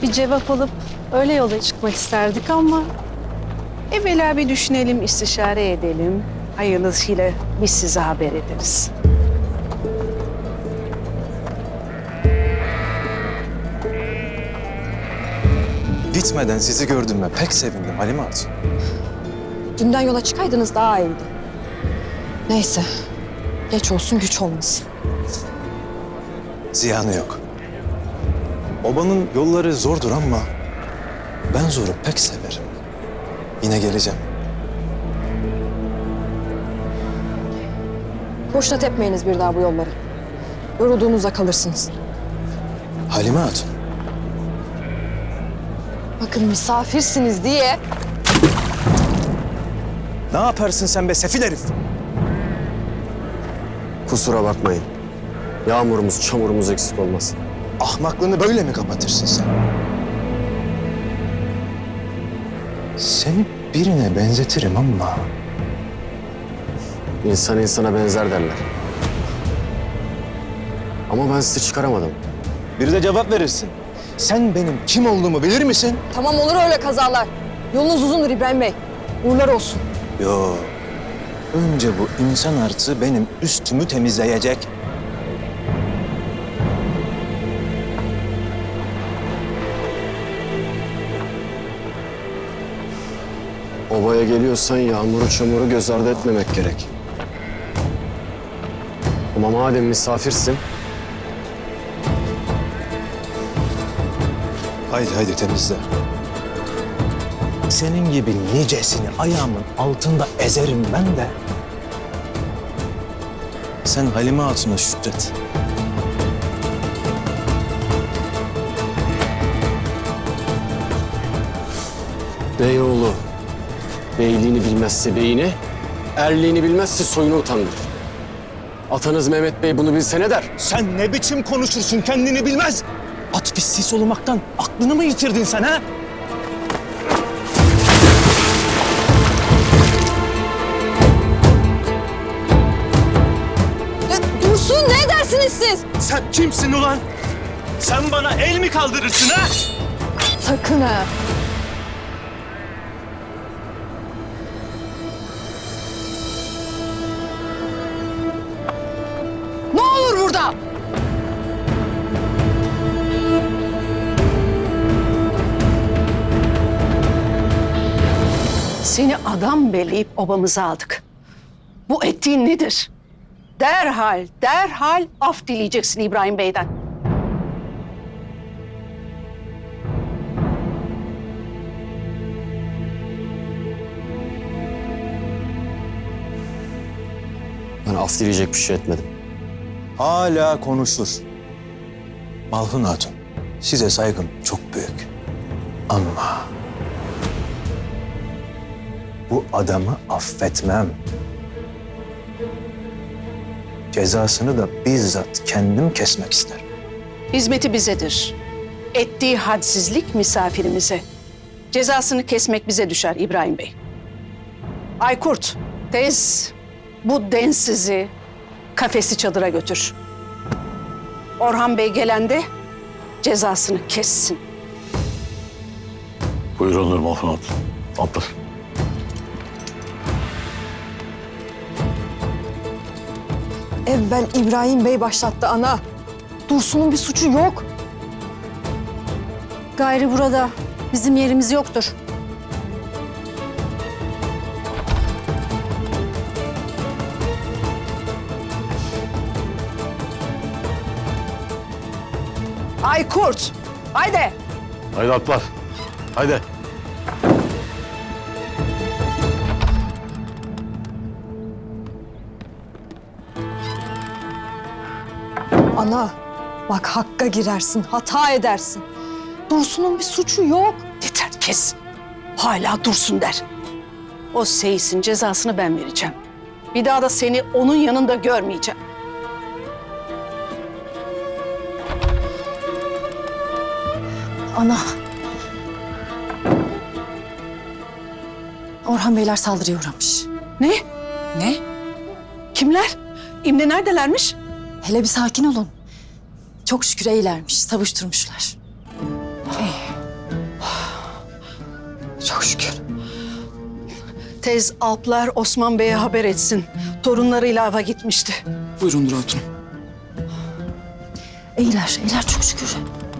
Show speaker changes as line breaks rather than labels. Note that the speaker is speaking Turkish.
bir cevap alıp öyle yola çıkmak isterdik ama... Evvela bir düşünelim, istişare edelim. Hayırlısıyla biz size haber ederiz.
Gitmeden sizi gördüğüme pek sevindim Halime Hatun.
Dünden yola çıkaydınız daha iyiydi. Neyse. Geç olsun güç olmasın.
Ziyanı yok. Obanın yolları zordur ama ben zoru pek severim. Yine geleceğim.
Boşuna tepmeyiniz bir daha bu yolları. Yorulduğunuzda kalırsınız.
Halime Hatun.
Bakın misafirsiniz diye.
Ne yaparsın sen be sefil herif?
Kusura bakmayın. Yağmurumuz, çamurumuz eksik olmasın.
Ahmaklığını böyle mi kapatırsın sen? Seni birine benzetirim ama...
İnsan insana benzer derler. Ama ben sizi çıkaramadım.
Bir de cevap verirsin. Sen benim kim olduğumu bilir misin?
Tamam olur öyle kazalar. Yolunuz uzundur İbrahim Bey. Uğurlar olsun.
Yo. Önce bu insan artı benim üstümü temizleyecek.
Obaya geliyorsan yağmuru çamuru göz ardı etmemek gerek. Ama madem misafirsin,
Haydi temizle. Senin gibi nicesini ayağımın altında ezerim ben de. Sen Halime Hatun'a şükret.
beyoğlu beyliğini bilmezse beyine, erliğini bilmezse soyunu utandırır. Atanız Mehmet Bey bunu bilse ne der?
Sen ne biçim konuşursun kendini bilmez. At pisliği solumaktan aklını mı yitirdin sen ha?
Dursun ne edersiniz siz?
Sen kimsin ulan? Sen bana el mi kaldırırsın ha?
Sakın ha.
Ne olur burada? Seni adam belleyip obamıza aldık. Bu ettiğin nedir? Derhal af dileyeceksin İbrahim Bey'den.
Ben af dileyecek bir şey etmedim.
Hala konuşur. Malhun Hatun, size saygım çok büyük. Ama bu adamı affetmem. Cezasını da bizzat kendim kesmek isterim.
Hizmeti bizedir. Ettiği hadsizlik misafirimize. Cezasını kesmek bize düşer İbrahim Bey. Aykurt, tez bu densizi kafesi çadıra götür. Orhan Bey gelende cezasını kessin.
Buyurun Malhun Hatun. Atlar.
Evvel İbrahim Bey başlattı ana. Dursun'un bir suçu yok.
Gayrı burada bizim yerimiz yoktur. Aykurt, haydi.
Haydi atlar. Haydi.
Ana bak hakka girersin, hata edersin. Dursun'un bir suçu yok.
Yeter kes. Hala dursun der. O seyisin cezasını ben vereceğim. Bir daha da seni onun yanında görmeyeceğim.
Ana. Orhan Beyler saldırıya uğramış.
Ne?
Ne?
Kimler? İmle neredelermiş?
Hele bir sakin olun. Çok şükür iyilermiş, savuşturmuşlar.
İyi.
Çok şükür.
Tez Alplar Osman Bey'e haber etsin. Torunlarıyla ava gitmişti.
Buyurun Nur Hatun.
İyiler çok şükür.